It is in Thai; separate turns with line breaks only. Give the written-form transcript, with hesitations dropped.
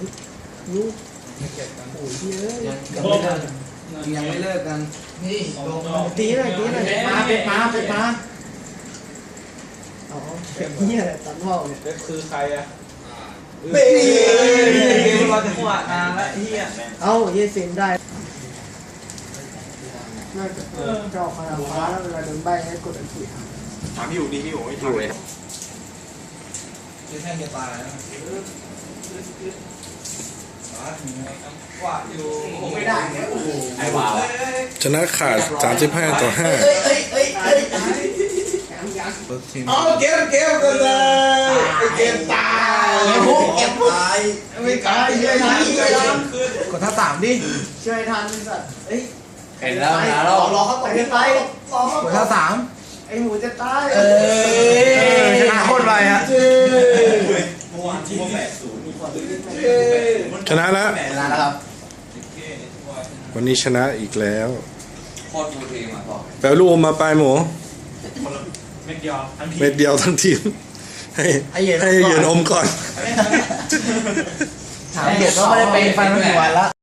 ลูกโอ้ยเยอะ
ยังไม่เลิกกันนี่
ตีหน่อยมาเป็นมาอ๋อเป็นเหี้ยตัดพ่อเนี่ย
เว็บคือใครอะ
เฮ้ยเราจะขวดนานแล้วเฮีย
เอ้าเยสินได้น่าจะเจ้าขนาดฟ้าแล้วเวลาโดนใบให้กดอันที่
ถามพี่อยู่ดีพี่อยู่ไม่อยู่เลย
จะแท่งจะตายแล้วกวาดอยู่ไม่ได้เนี่ยโอ้โห
ไอ้บ่าว
ชนะขาด35-5
เอาเก็บกันเลยเก็บตายเก็บตายไม่ตายเลยนะกดท่าสามดิ
ช่วยทันสัตว์เอ้ย
เห็นแล้วนะรอเขาตกไปรอกดท่าสาม
ไอหมูจะตาย
ชนะโคตรไปฮะ
ชนะแล้ว
ชนะแล้วครับ
วันนี้ชนะอีกแล้ว
โคตรมูทีมาบอก
แปลลูกอมมาปลายหมู
เม็ดเดียวทั้งที
เม็ดเดียวทั้งทีมให้เย็นอมก่อน
ถามเด็กก็ไม่ได้เป็นฟันหัวแล้ว